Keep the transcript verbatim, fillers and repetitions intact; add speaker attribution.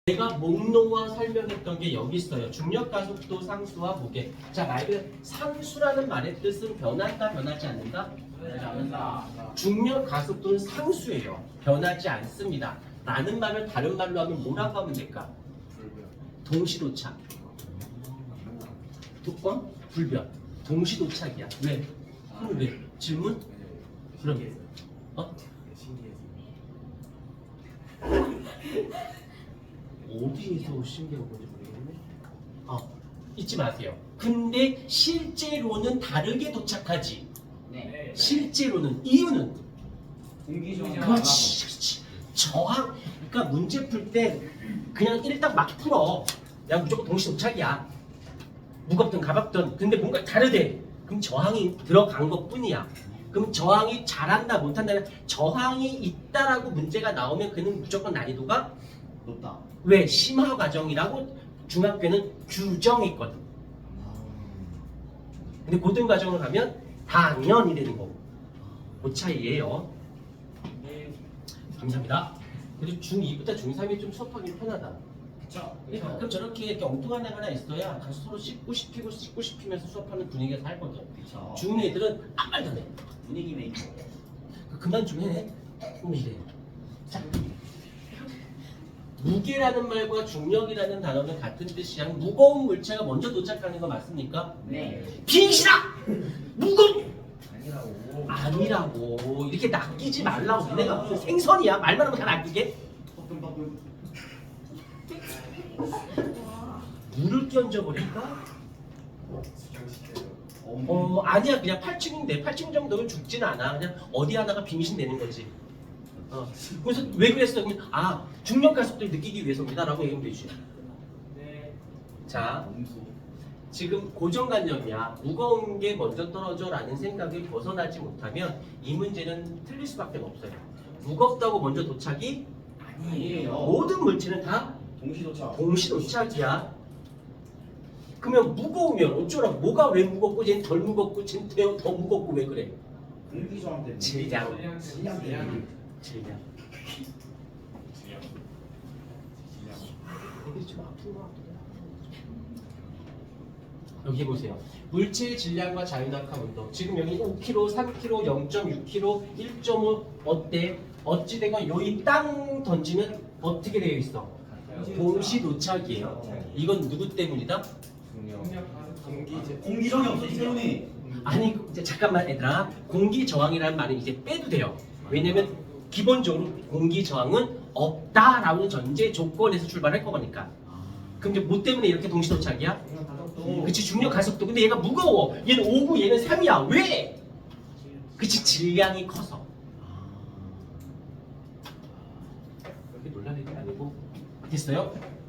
Speaker 1: 내가 목록화 설명했던 게 여기 있어요. 중력 가속도 상수와 무게. 자, 말 그대로 상수라는 말의 뜻은 변한다, 변하지 않는다? 변하지 않는다. 중력 가속도는 상수예요. 변하지 않습니다. 라는 말을 다른 말로 하면 뭐라고 하면 될까? 동시도착. 두 번? 불변. 동시도착이야. 왜? 그럼 왜? 질문? 그럼 어? 어디에서 신기한 건지 모르겠네. 아, 잊지 마세요. 근데 실제로는 다르게 도착하지.
Speaker 2: 네.
Speaker 1: 실제로는 이유는
Speaker 2: 공기 저항.
Speaker 1: 그렇지, 그렇지. 저항. 그러니까 문제 풀 때 그냥 일단 막 풀어. 야, 무조건 동시 도착이야. 무겁든 가볍든. 근데 뭔가 다르대. 그럼 저항이 들어간 것뿐이야. 그럼 저항이 잘한다 못한다. 저항이 있다라고 문제가 나오면 그는 무조건 난이도가
Speaker 2: 높다.
Speaker 1: 왜? 심화 과정이라고 중학교는 규정했거든. 근데 고등 과정을 가면 당연히 되는 거고. 그 차이예요. 감사합니다. 그리고 중이부터 중삼이 좀 수업하기 편하다.
Speaker 2: 그쵸.
Speaker 1: 근데 가끔 저렇게 이렇게 엉뚱한 애가 하나 있어야 가서 서로 씹고 씹히고 씹고 씹히면서 수업하는 분위기가 살거든.
Speaker 2: 그쵸.
Speaker 1: 중 애들은 아무 말도 안 해.
Speaker 2: 분위기 메이커.
Speaker 1: 그만 좀 해. 뭐 이래. 자, 무게라는 말과 중력이라는 단어는 같은 뜻이야. 무거운 물체가 먼저 도착하는 거 맞습니까?
Speaker 2: 네.
Speaker 1: 빙신아! 무거운!
Speaker 2: 아니라고.
Speaker 1: 아니라고. 이렇게 낚이지 말라고. 내가 무슨 생선이야? 말만 하면 다 낚이게?
Speaker 2: 뻐끔뻐끔.
Speaker 1: 물을 끼얹어버릴까? 어, 아니야. 그냥 팔 층인데 팔 층 정도는 죽진 않아. 그냥 어디 하나가 빙신 되는 거지. 어. 그래서 왜 그랬어? 그러면 아, 중력 가속도를 느끼기 위해서입니다. 라고 얘기하면 되지.
Speaker 2: 네.
Speaker 1: 자,
Speaker 2: 음수.
Speaker 1: 지금 고정관념이야. 무거운 게 먼저 떨어져 라는 생각을 벗어나지 못하면 이 문제는 틀릴 수밖에 없어요. 무겁다고 먼저 도착이
Speaker 2: 아니에요.
Speaker 1: 모든 물체는 다
Speaker 2: 동시 도착.
Speaker 1: 동시 도착이야. 그러면 무거우면 어쩌라고? 뭐가 왜 무겁고 쟤는 덜 무겁고 쟤는 더, 더 무겁고 왜 그래?
Speaker 2: 공기 저항 때문에.
Speaker 1: 질량.
Speaker 2: 질량 때문에.
Speaker 1: 질량. 이게 좀 아픈 것 같기도 하고. 여기 보세요. 물체의 질량과 자유낙하 운동. 지금 여기 오 킬로그램, 삼 킬로그램, 영 점 육 킬로그램, 일 점 오 어때? 어찌되건 여기 땅 던지면 어떻게 되어 있어? 동시 도착이에요. 이건 누구 때문이다?
Speaker 2: 공기 공기 저항이 없어지 때문에.
Speaker 1: 아니 이제 잠깐만 얘들아. 공기 저항이라는 말은 이제 빼도 돼요. 왜냐면 기본적으로 공기 저항은 없다라는 전제 조건에서 출발할 거니까. 그럼 이제 뭐 때문에 이렇게 동시 도착이야? 그치, 중력 가속도. 근데 얘가 무거워. 얘는 오고 얘는 삼이야. 왜? 그치, 질량이 커서. 그렇게 놀랄 일이 아니고. 됐어요?